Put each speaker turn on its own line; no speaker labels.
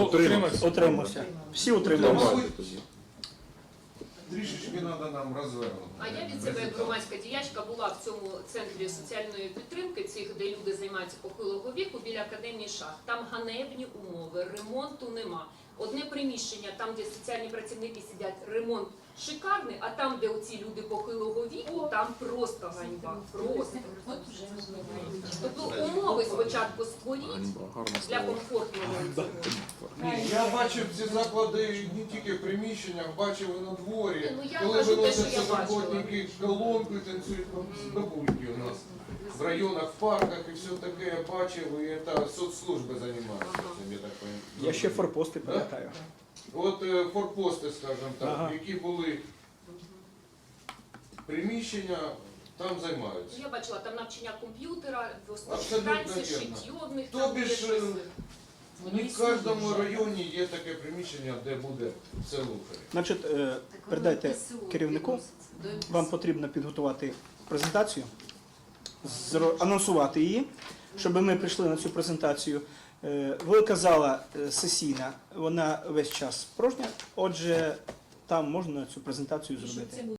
утримався.
Утримався. Всі утрималися.
Трішечки треба нам розвернути.
А я від себе як громадська діячка була в цьому центрі соціальної підтримки, цих, де люди займаються похилого віку, біля академії шахт. Там ганебні умови, ремонту нема. Одне приміщення, там, де соціальні працівники сидять, ремонт шикарний, а там, де оці люди похилого віку, там просто ганьба. Просто. Тобто умови спочатку створіть для комфортного цього.
Ні, я бачив ці заклади не тільки в приміщеннях, бачив і на дворі.
Ну, я
Коли
кажу те, що
виносяться
я бачила.
роботники колонки, танцюють бабульки у нас. В районах, в парках і все таке я бачив, і це соцслужби займаються цим, я так розумію.
Я ще форпости пам'ятаю.
От форпости, скажімо так,
Ага.
які були приміщення, там займаються.
Я бачила там навчання комп'ютера,
Абсолютно
танці,
вірно.
шиття в них
Тобі
там є
ж,
щось.
Не в кожному районі є таке приміщення, де буде це лухарі.
Значить, передайте керівнику, вам потрібно підготувати презентацію, анонсувати її, щоб ми прийшли на цю презентацію. Велика зала сесійна, вона весь час порожня, отже, там можна цю презентацію зробити.